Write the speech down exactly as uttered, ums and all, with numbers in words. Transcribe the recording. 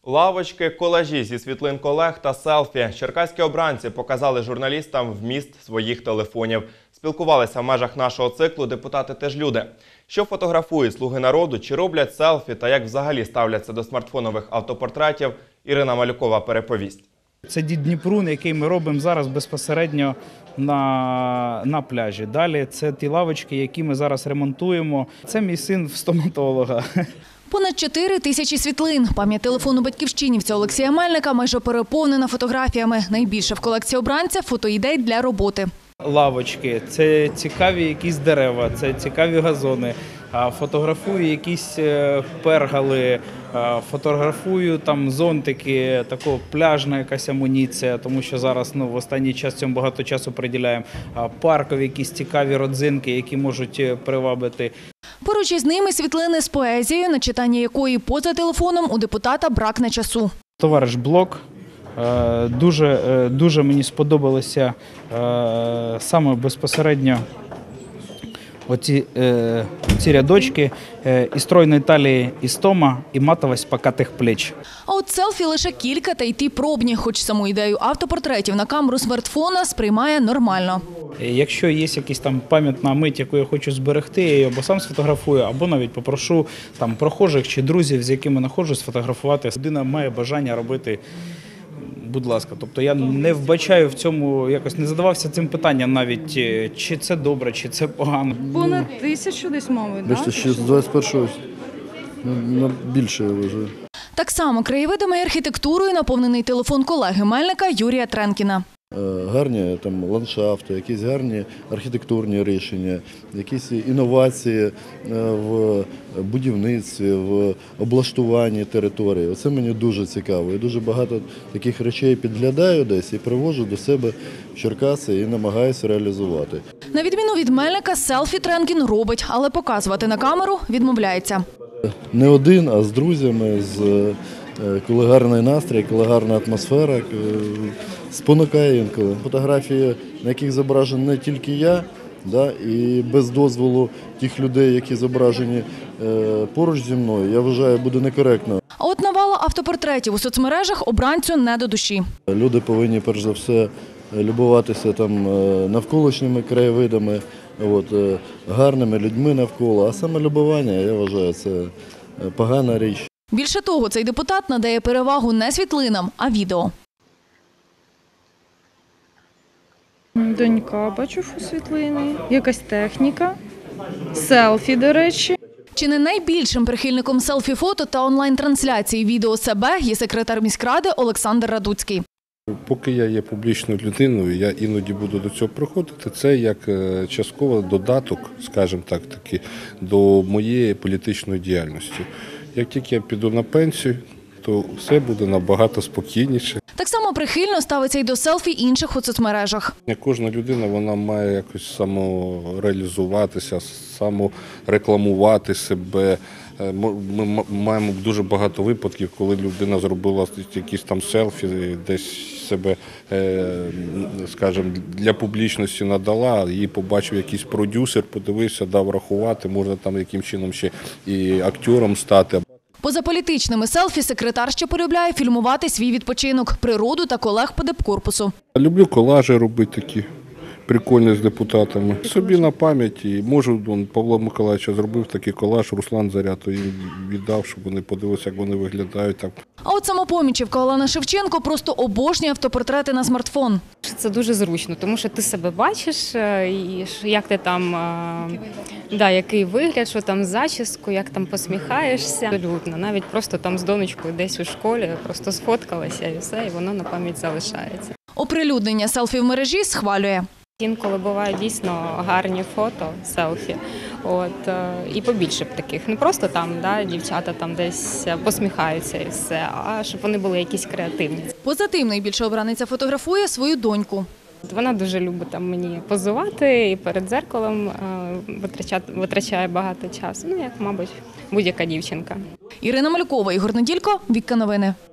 Лавочки, колажі зі світлин колег та селфі. Черкаські обранці показали журналістам вміст своїх телефонів. Спілкувалися в межах нашого циклу депутати «Теж люди». Що фотографують «Слуги народу», чи роблять селфі та як взагалі ставляться до смартфонових автопортретів, Ірина Малюкова переповість. Це дід Дніпрун, який ми робимо зараз безпосередньо на, на пляжі. Далі це ті лавочки, які ми зараз ремонтуємо. Це мій син в стоматолога. Понад чотири тисячі світлин. Пам'ять телефону батьківщинівця Олексія Мельника майже переповнена фотографіями. Найбільше в колекції обранця – фотоідей для роботи. Лавочки, це цікаві якісь дерева, це цікаві газони. Фотографую якісь пергали, фотографую там зонтики, такого пляжна якась амуніція, тому що зараз ну, в останній час цьому багато часу приділяємо. Паркові якісь цікаві родзинки, які можуть привабити. Поруч із ними світлини з поезією, на читання якої поза телефоном у депутата бракне часу. Товариш Блок. Дуже, дуже мені сподобалися саме безпосередньо оці, ці рядочки «І стройної талії істома, і матовость покатих плеч». А от селфі лише кілька, та й ті пробні, хоч саму ідею автопортретів на камеру смартфона сприймає нормально. Якщо є якась там пам'ятна мить, яку я хочу зберегти, я її або сам сфотографую, або навіть попрошу там прохожих чи друзів, з якими знаходжусь, сфотографувати. Людина має бажання робити. Будь ласка, тобто я не вбачаю в цьому, якось не задавався цим питанням навіть, чи це добре, чи це погано. Понад тисячу десь, мабуть, так? Бачите, ще з двадцять першого більше вже. Так само краєвидами і архітектурою наповнений телефон колеги Мельника Юрія Тренкіна. Гарні там ландшафти, якісь гарні архітектурні рішення, якісь інновації в будівництві, в облаштуванні території. Оце мені дуже цікаво. Я дуже багато таких речей підглядаю десь і привожу до себе в Черкаси і намагаюся реалізувати. На відміну від Мельника, селфі Тренкін робить, але показувати на камеру відмовляється. Не один, а з друзями, з коли гарний настрій, коли гарна атмосфера, спонукає інколи. Фотографії, на яких зображений не тільки я, да, і без дозволу тих людей, які зображені е, поруч зі мною, я вважаю, буде некоректно. А от навала автопортретів у соцмережах обранцю не до душі. Люди повинні, перш за все, любуватися там навколишніми краєвидами, от, гарними людьми навколо. А саме любування, я вважаю, це погана річ. Більше того, цей депутат надає перевагу не світлинам, а відео. Донька, бачу світлини, якась техніка, селфі, до речі. Чи не найбільшим прихильником селфі-фото та онлайн-трансляції відео себе є секретар міськради Олександр Радуцький. Поки я є публічною людиною, я іноді буду до цього приходити. Це як частково додаток, скажімо так, таки, до моєї політичної діяльності. Як тільки я піду на пенсію, то все буде набагато спокійніше. Так само прихильно ставиться й до селфі інших у соцмережах. Кожна людина вона має якось самореалізуватися, саморекламувати себе. Ми маємо дуже багато випадків, коли людина зробила якісь там селфі, десь себе, скажімо, для публічності надала, її побачив якийсь продюсер, подивився, дав рахувати, можна там яким чином ще і актором стати. Поза політичними селфі секретар ще полюбляє фільмувати свій відпочинок, природу та колег по депкорпусу. Люблю колажі робити такі. Прикольно з депутатами. Собі на пам'ять, і можу, Павло Миколаївич зробив такий колаж, Руслан Заря, то їм віддав, щоб вони подивилися, як вони виглядають. Так. А от самопомічівка Олена Шевченко просто обожнює автопортрети на смартфон. Це дуже зручно, тому що ти себе бачиш, і як ти там, да, який вигляд, що там з зачіскою, як там посміхаєшся. Абсолютно, навіть просто там з донечкою десь у школі, просто сфоткалася і все, і воно на пам'ять залишається. Оприлюднення селфі в мережі схвалює. Інколи бувають дійсно гарні фото, селфі, от, і побільше б таких. Не просто там, да, дівчата там десь посміхаються і все, а щоб вони були якісь креативні. Поза тим найбільше обраниця фотографує свою доньку. Вона дуже любить там мені позувати і перед дзеркалом витрачає багато часу, ну як, мабуть, будь-яка дівчинка. Ірина Малюкова, Ігор Неділько, Вікка Новини.